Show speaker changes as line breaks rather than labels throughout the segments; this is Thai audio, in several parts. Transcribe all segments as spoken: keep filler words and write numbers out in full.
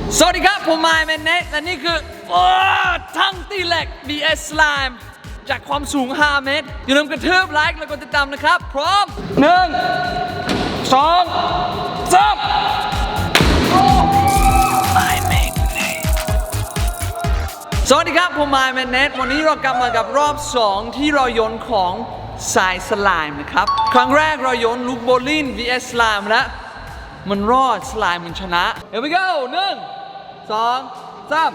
สวัสดีครับผมไมค์แมนเนทและนี่คือทั้งตีเหล็ก บี เอส Slime จากความสูงห้าเมตรอย่าลืมกระทืบไลค์และกดติดตามนะครับพร้อมหนึ่งสองสามสวัสดีครับผมไมค์แมนเนทวันนี้เรากลับมากับรอบสองที่เราโยนของทรายสไลม์นะครับครั้งแรกเราโยนลูกโบลิ่ง บี เอส Slime แล้วมันรอดสไลม์มันชนะ Here we go หนึ่งสองสาม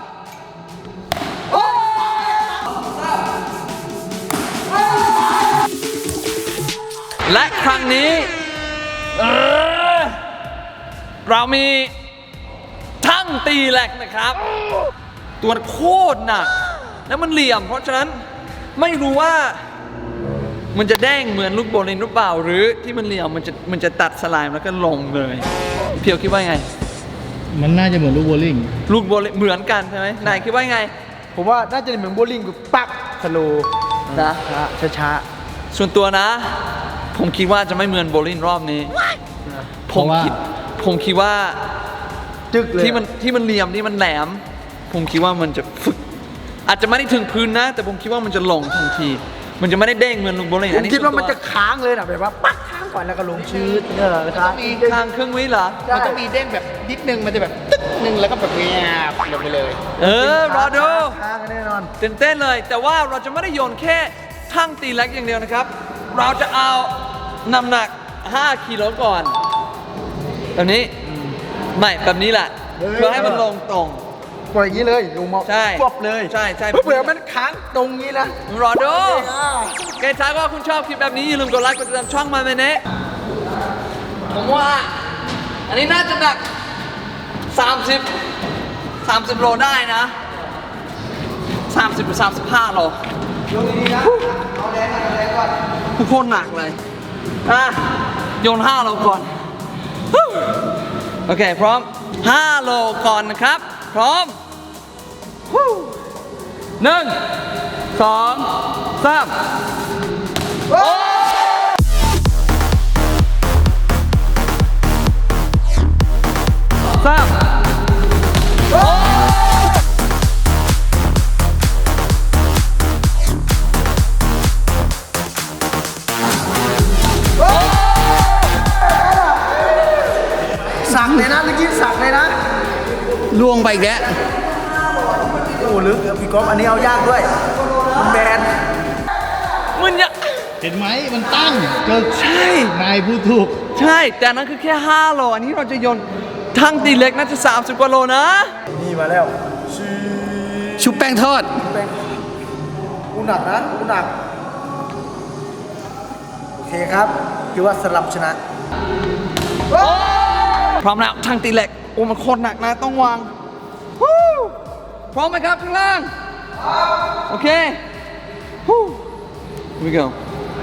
และครั้งนี้เออเรามีทั้งตีแหลกนะครับ ตัวโคตรหนักแล้วมันเหลี่ยมเพราะฉะนั้นไม่รู้ว่ามันจะแดงเหมือนลูกโบลิ่งหรือเปล่าหรือที่มันเหลี่ยมมันจะมันจะตัดสไลม์แล้วก็ลงเลยเพียวคิดว่าไง
มันน่าจะเหมือนลูกโบลิ่ง
ลูกโบลิ่งเหมือนกันใช่ไหมนายคิดว่าไง
ผมว่าน่าจะเหมือนโบลิ่งคือปักสโลว์นะช้าช้า
ส่วนตัวนะผมคิดว่าจะไม่เหมือนโบลิ่งรอบนี้ผมคิดผมคิดว่า
จึกเลย
ที่มันที่มันเหลี่ยมที่มันแหลมผมคิดว่ามันจะฝึกอาจจะไม่ได้ถึงพื้นนะแต่ผมคิดว่ามันจะลงทันทีมันจะไม่ได้เด้งเหมือนลูกโบลิ่ง
ผมคิดว่ามันจะค้างเลยนะแบบว่าปักค้างก่อนแล้วก็ลงชืดเออครับ
มีค้างครึ่งวิเหรอ
มันต้องมีเด้งแบบนิดนึงมันจะแบบตึ๊ดนึงแล้วก็แบบเงียบลงไปเลย
เออรอดู
ค้างแน่นอน
ตื่นเต้นเลยแต่ว่าเราจะไม่ได้โยนแค่ทั้งตีเล็กอย่างเดียวนะครับเราจะเอาน้ำหนักห้ากิโลก่อนแบบนี้ไม่แบบนี้แหละเพื่อให้มันลงตรง
ปล่อยอย่างนี้เลยลงมา
ใช่
ควบเลย
ใช่ใช่
เผื่อมันค้างตรงนี้นะ
รอดูใครถ้าว่าคุณชอบคลิปแบบนี้อย่าลืมกดไลค์กดติดตามช่องมาเมเน่ผมว่าอันนี้น่าจะหนักสามสิบ สามสิบโลได้นะสามสิบหรือสามสิบห้าโล
โยนดีๆนะเอาแรงก่อนเอาแรงก่อน
โคตรหนักเลยอ่ะโยนห้าโลก่อนโอเคพร้อมห้าโลก่อนนะครับพร้อมหนึ่งสองสามสาม
สั่งเลยนะเมื่อกี้สั่งเลยนะ
ล่วงไปอีกแล้ว
โอ้ลึกพี่ก๊อฟอันนี้เอายากด้วยมันแบน
มันยาก
เห็นไหมมันตั้งเจอ
ใช่
นายพูดถูก
ใช่แต่นั้นคือแค่ห้าโลอันนี้เราจะโยนทั้งตีเล็กน่าจะสามสิบกว่าโลนะ
นี่มาแล้ว
ชุบแป้งทอด
แป้งกูหนักนะกูหนักโอเคครับคือว่าสลับชนะ
พร้อมแล้วทั้งตีเหล็กโอ้มันโคตรหนักนะต้องวางพร้อมไหมครับข้างล่างโอเค Here we go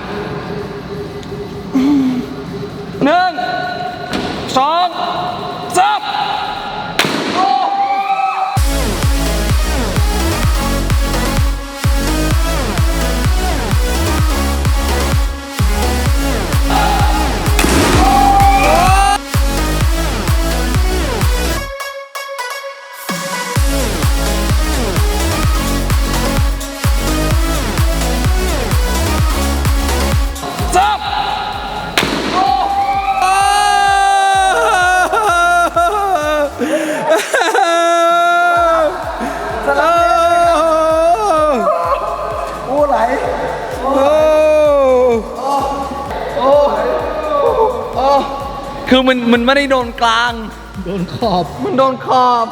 หนึ่งสองสามคือมันมันไม่ได้โดนกลาง
โดนขอบ
มันโดนขอบ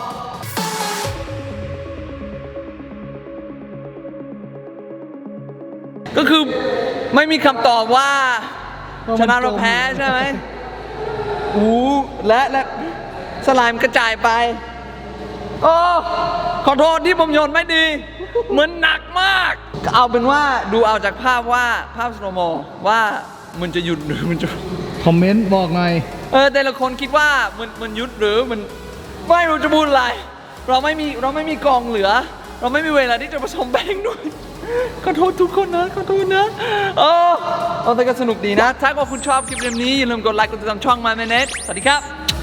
ก็คือไม่มีคำตอบว่าชนะเราแพ้ใช่ไหมอู้และและสไลม์กระจายไปโอ้ขอโทษที่ผมโยนไม่ดีเหมือนหนักมากเอาเป็นว่าดูเอาจากภาพว่าภาพสโลโมว่ามันจะหยุดหรือมันจะ
คอมเมนต์บอกหน่อย
เออแต่ละคนคิดว่ามันมันยุดหรือมันไม่รู้จะพูดอะไรเราไม่มีเราไม่มีกองเหลือเราไม่มีเวลาที่จะผสมแป้งด้วยขอโทษทุกคนนะขอโทษนะเออเอาแต่ก็สนุกดีนะถ้าว่าคุณชอบคลิปแบบนี้อย่าลืมกดไลค์กดติดตามช่อง My Minute สวัสดีครับ